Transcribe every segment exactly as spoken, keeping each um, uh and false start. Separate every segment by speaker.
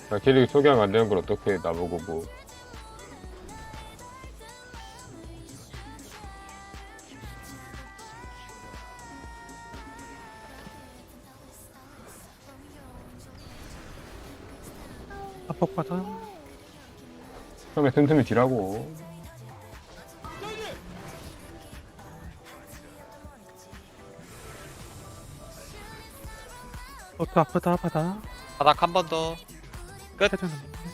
Speaker 1: 나 캐릭 소개하면 안 되는 걸 어떻게 나보고 뭐.
Speaker 2: 압박받아.
Speaker 1: 처음에 틈틈이 딜하고.
Speaker 2: 너도 아프다 받아.
Speaker 3: 바닥 한 번 더. 끝.
Speaker 2: 해주는.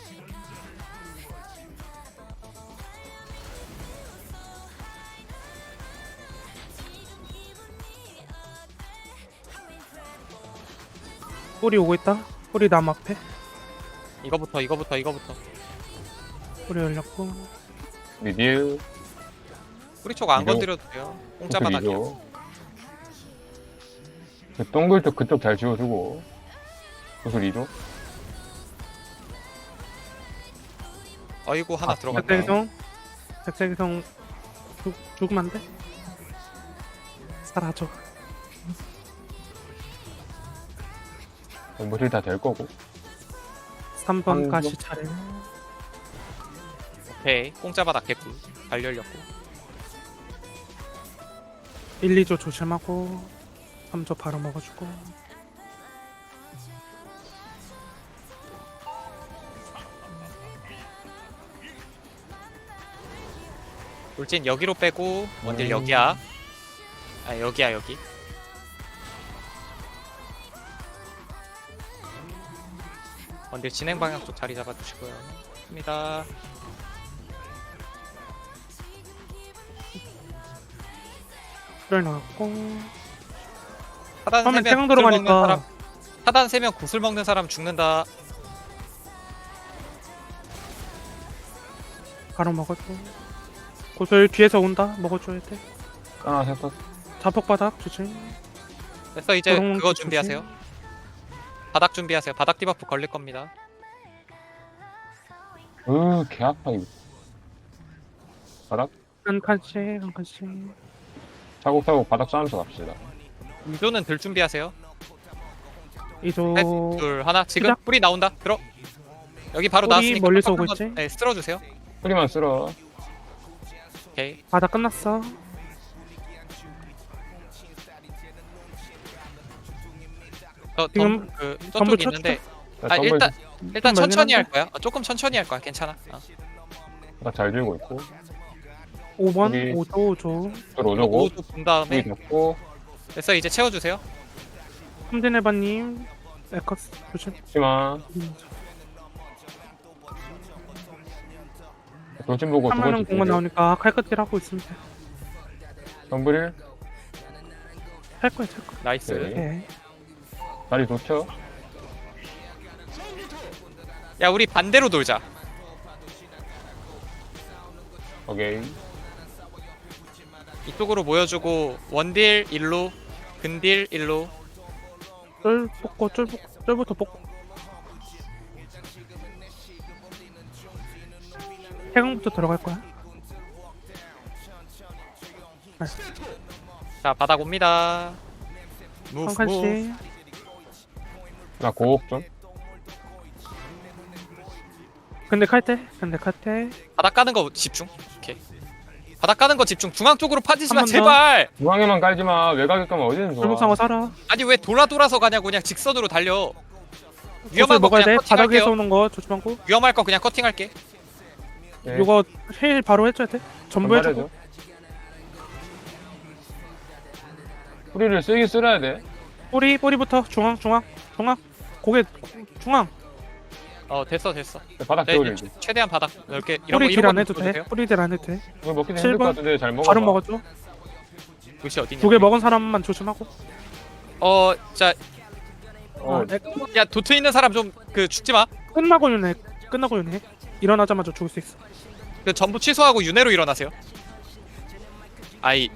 Speaker 2: 뿌리 오고 있다. 뿌리 남 앞에.
Speaker 3: 이거부터 이거부터 이거부터.
Speaker 2: 뿌리 열렸고.
Speaker 1: 미디어.
Speaker 3: 뿌리 쪽 안
Speaker 1: 이거-
Speaker 3: 건드려도 돼요. 공짜 바닥이요.
Speaker 1: 그 동글 쪽 그쪽 잘 지워주고. 구슬 이 조.
Speaker 3: 어이구 하나
Speaker 1: 아,
Speaker 3: 들어갔다.
Speaker 2: 백색성. 백색성 죽 죽으면 안 돼. 사라져.
Speaker 1: 뭐실 다될 거고.
Speaker 2: 삼 번
Speaker 1: 삼
Speaker 2: 가시 차례.
Speaker 3: 오케이. 공짜 바닥 개꿀. 발 열렸고.
Speaker 2: 일, 이 조 조심하고. 삼 조 바로 먹어주고.
Speaker 3: 돌진 여기로 빼고 원딜
Speaker 1: 음.
Speaker 3: 여기야. 아 여기야 여기. 원딜 진행 방향 쪽 자리 잡아주시고요. 입니다.
Speaker 2: 뿌리 나왔고.
Speaker 3: 하단
Speaker 2: 처음엔
Speaker 3: 세명
Speaker 2: 태강
Speaker 3: 구슬 먹는
Speaker 2: 들어가니까.
Speaker 3: 사람. 하단 세 명 구슬 먹는 사람 죽는다.
Speaker 2: 바로 먹어줘. 고슬 뒤에서 온다. 먹어줘야 돼.
Speaker 1: 아, 됐어.
Speaker 2: 자폭바닥 조심.
Speaker 3: 됐어 이제
Speaker 2: 그런
Speaker 3: 그거
Speaker 2: 거
Speaker 3: 준비하세요. 바닥 준비하세요. 바닥 디버프 걸릴 겁니다.
Speaker 1: 으, 개 아파, 이거. 바닥?
Speaker 2: 한 칸씩 한 칸씩.
Speaker 1: 차곡차곡 바닥 싸면서 갑시다.
Speaker 3: 이조는 들 준비하세요.
Speaker 2: 이조
Speaker 3: 셋, 둘, 하나. 지금
Speaker 2: 시작.
Speaker 3: 뿌리 나온다. 들어. 여기 바로
Speaker 2: 뿌리
Speaker 3: 나왔으니까
Speaker 2: 멀리서
Speaker 3: 한번,
Speaker 2: 오고 있지?
Speaker 3: 네, 쓸어주세요.
Speaker 1: 뿌리만 쓸어.
Speaker 3: 오케이.
Speaker 2: 바닥 끝났어.
Speaker 3: 저
Speaker 2: 지금
Speaker 3: 덤, 그
Speaker 2: 전부
Speaker 3: 저쪽
Speaker 2: 쳐-
Speaker 3: 있는데
Speaker 1: 자,
Speaker 3: 아
Speaker 1: 덤블
Speaker 3: 일단 일단
Speaker 2: 좀
Speaker 3: 천천히 할
Speaker 2: 멀긴
Speaker 3: 거야. 어, 조금 천천히 할 거야. 괜찮아. 어.
Speaker 1: 바닥 잘 들고 있고.
Speaker 2: 오 번
Speaker 1: 여기.
Speaker 2: 오 조 오 조.
Speaker 1: 또 오저고.
Speaker 3: 오도 본 다음에
Speaker 1: 뿌리 잡고.
Speaker 3: 됐어 이제 채워주세요.
Speaker 2: 삼진해바님 에커스 조심.
Speaker 1: 치마. 돌진 보고 두
Speaker 2: 하면은
Speaker 1: 번째
Speaker 2: 공만
Speaker 1: 딜.
Speaker 2: 나오니까 칼끝질 하고 있습니다.
Speaker 1: 덤블.
Speaker 2: 할 거야 할 거야.
Speaker 3: 나이스.
Speaker 1: 네.
Speaker 2: 네.
Speaker 1: 다리 좋죠?
Speaker 3: 야 우리 반대로 돌자.
Speaker 1: 오케이.
Speaker 3: 이쪽으로 모여주고 원딜 일로, 근딜 일로.
Speaker 2: 쫄 뽑고 쫄 뽑고 쫄부터 뽑고. 해강부터 들어갈 거야.
Speaker 3: 자 바닥 옵니다. 무브
Speaker 2: 한
Speaker 3: 무브.
Speaker 2: 칸씩.
Speaker 1: 나 고옥 좀.
Speaker 2: 근데 칼때 근데 칼때
Speaker 3: 바닥 까는 거 집중. 오케이. 바닥 까는 거 집중. 중앙 쪽으로 파지지 마
Speaker 2: 한번 더.
Speaker 3: 제발.
Speaker 1: 중앙에만 깔지 마. 외곽에 까면 어디든 좋아.
Speaker 2: 골목상어 살아.
Speaker 3: 아니 왜 돌아 돌아서 가냐고. 그냥 직선으로 달려. 위험한
Speaker 2: 고슬
Speaker 3: 거
Speaker 2: 먹어야 돼.
Speaker 3: 그냥
Speaker 2: 바닥에서
Speaker 3: 커팅할게요.
Speaker 2: 오는 거 조심하고.
Speaker 3: 위험할 거 그냥 커팅할게.
Speaker 1: 네.
Speaker 2: 이거 힐 바로 해줘야 돼. 전부 해줘.
Speaker 1: 전발해줘. 뿌리를 쓰긴 쓸어야 돼.
Speaker 2: 뿌리 뿌리부터 중앙 중앙 중앙 고개 중앙.
Speaker 3: 어 됐어 됐어.
Speaker 1: 바닥
Speaker 3: 네,
Speaker 1: 재워줘.
Speaker 3: 이제 최대한 바닥 넓게 이런 거
Speaker 2: 뿌리 딜
Speaker 3: 이런
Speaker 2: 안
Speaker 3: 거
Speaker 2: 해도 돼.
Speaker 3: 넣어주세요.
Speaker 2: 뿌리 딜 안 해도 돼.
Speaker 1: 이거 먹기는
Speaker 2: 칠
Speaker 1: 힘들 것
Speaker 2: 번
Speaker 1: 같은데 잘 먹어.
Speaker 2: 바로 먹어줘.
Speaker 3: 도시 어디냐?
Speaker 2: 두 개 먹은 사람만 조심하고.
Speaker 3: 어, 자,
Speaker 1: 어,
Speaker 2: 아, 에,
Speaker 3: 야 도트 있는 사람 좀 그 죽지 마.
Speaker 2: 끝나고 윤회. 끝나고 윤회. 일어나자마자 죽을 수 있어.
Speaker 3: 그 전부 취소하고 윤회로 일어나세요. 아이.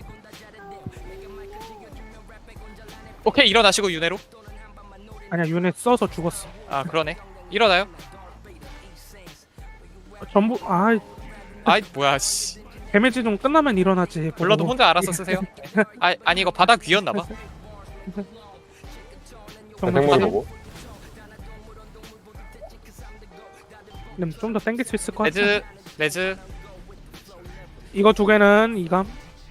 Speaker 3: 오케이 일어나시고 윤회로.
Speaker 2: 아니야 윤회 써서 죽었어.
Speaker 3: 아 그러네. 일어나요.
Speaker 2: 전부 아
Speaker 3: 아이 뭐야 씨.
Speaker 2: 데미지 좀 끝나면 일어나지.
Speaker 3: 블러드
Speaker 2: 보고.
Speaker 3: 혼자 알아서 쓰세요. 아 아니 이거 바닥 위였나봐.
Speaker 2: 정말
Speaker 1: 대생물
Speaker 2: 바닥-
Speaker 1: 보고.
Speaker 2: 좀 더 땡길 수 있을 것 같아.
Speaker 3: 레즈 레즈
Speaker 2: 이거 두 개는 이감.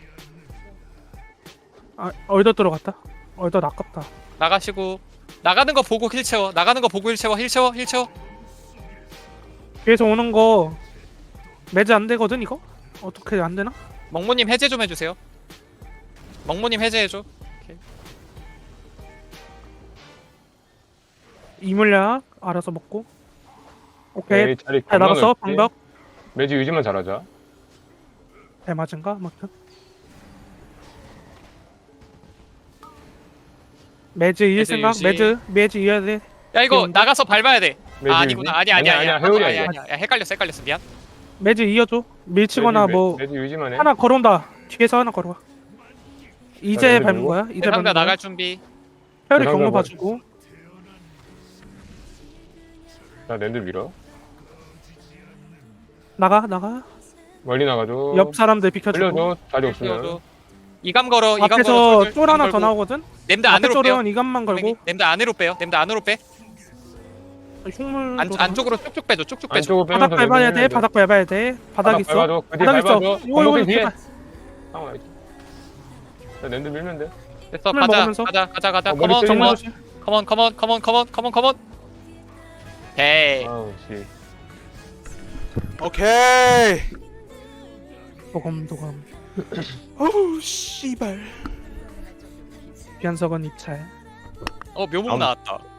Speaker 2: 아 얼더 들어갔다. 얼더 아깝다.
Speaker 3: 나가시고 나가는 거 보고 힐 채워. 나가는 거 보고 힐 채워. 힐 채워. 힐 채워.
Speaker 2: 뒤에서 오는 거 매즈 안 되거든 이거? 어떻게 안 되나?
Speaker 3: 멍모님 해제 좀 해주세요. 멍모님 해제해줘.
Speaker 2: 이물약 알아서 먹고. 오케이.
Speaker 1: 오케이, 자리
Speaker 2: 잘
Speaker 1: 겁나
Speaker 2: 나갔어
Speaker 1: 넓지?
Speaker 2: 방벽.
Speaker 1: 매지 유지만 잘하자.
Speaker 2: 배 맞은가? 아무튼. 매즈 이길
Speaker 3: 매즈
Speaker 2: 생각?
Speaker 3: 유지.
Speaker 2: 매즈 매즈 이어야 돼.
Speaker 3: 야 이거
Speaker 2: 귀여운데?
Speaker 3: 나가서 밟아야 돼.
Speaker 1: 매지
Speaker 3: 아 아니구나. 아니야
Speaker 1: 유지?
Speaker 3: 아니야 아니야.
Speaker 1: 아니야, 회오리야,
Speaker 3: 아니야
Speaker 1: 이거.
Speaker 3: 아니야. 야, 헷갈렸어 헷갈렸어. 미안.
Speaker 2: 매즈 이어줘. 밀치거나
Speaker 1: 매지,
Speaker 2: 뭐
Speaker 1: 매지 유지만 해.
Speaker 2: 하나 걸어온다. 뒤에서 하나 걸어와. 이제
Speaker 1: 랜드
Speaker 2: 밟는
Speaker 1: 밀고.
Speaker 2: 거야. 이제
Speaker 3: 대상자
Speaker 2: 밟는 거야.
Speaker 3: 나갈 준비.
Speaker 2: 페어리
Speaker 1: 대상자
Speaker 2: 경로
Speaker 1: 뭐-
Speaker 2: 봐주고.
Speaker 1: 자, 랜드 밀어.
Speaker 2: 나가 나가.
Speaker 1: 멀리 나가줘.
Speaker 2: 옆 사람들 비켜주고.
Speaker 1: 흘려줘. 자리 없으면.
Speaker 3: 띄워줘. 이감 걸어. 이감 걸어.
Speaker 2: 앞에서
Speaker 3: 쫄,
Speaker 2: 쫄 하나 더
Speaker 3: 걸고.
Speaker 2: 나오거든.
Speaker 3: 냄드
Speaker 2: 앞에
Speaker 3: 안으로 빼요.
Speaker 2: 쫄은 이감만 걸고.
Speaker 3: 냄드 안으로 빼요. 냄드 안으로 빼.
Speaker 2: 흉물
Speaker 3: 안, 안쪽으로 쭉쭉 빼줘. 쭉쭉 빼줘.
Speaker 1: 안쪽으로
Speaker 2: 바닥
Speaker 1: 빼면서
Speaker 2: 밟아야
Speaker 1: 랜드
Speaker 2: 돼.
Speaker 1: 밀면
Speaker 2: 바닥 밟아야 돼. 바닥
Speaker 1: 바닥
Speaker 2: 있어.
Speaker 1: 밟아줘. 그 뒤에
Speaker 2: 바닥 있어.
Speaker 1: 밟아줘.
Speaker 2: 이거 이거
Speaker 1: 건너편 뒤에.
Speaker 2: 제발.
Speaker 1: 상황 알지? 자, 랜드 밀면 돼.
Speaker 3: 됐어.
Speaker 2: 흉물
Speaker 3: 가자.
Speaker 2: 먹으면서.
Speaker 3: 가자. 가자. 가자.
Speaker 1: 어, 머리
Speaker 3: 컴온.
Speaker 1: 때리지 마.
Speaker 3: 컴온.
Speaker 2: 정말
Speaker 3: 컴온. 컴온. 컴온. 컴온. 컴온. 컴온. 헤이.
Speaker 1: 아우, 씨.
Speaker 4: 오케이.
Speaker 2: 도검 도검.
Speaker 4: 어우 씨발.
Speaker 2: 변석은 입찰.
Speaker 3: 어 묘목
Speaker 1: 아무-
Speaker 3: 나왔다.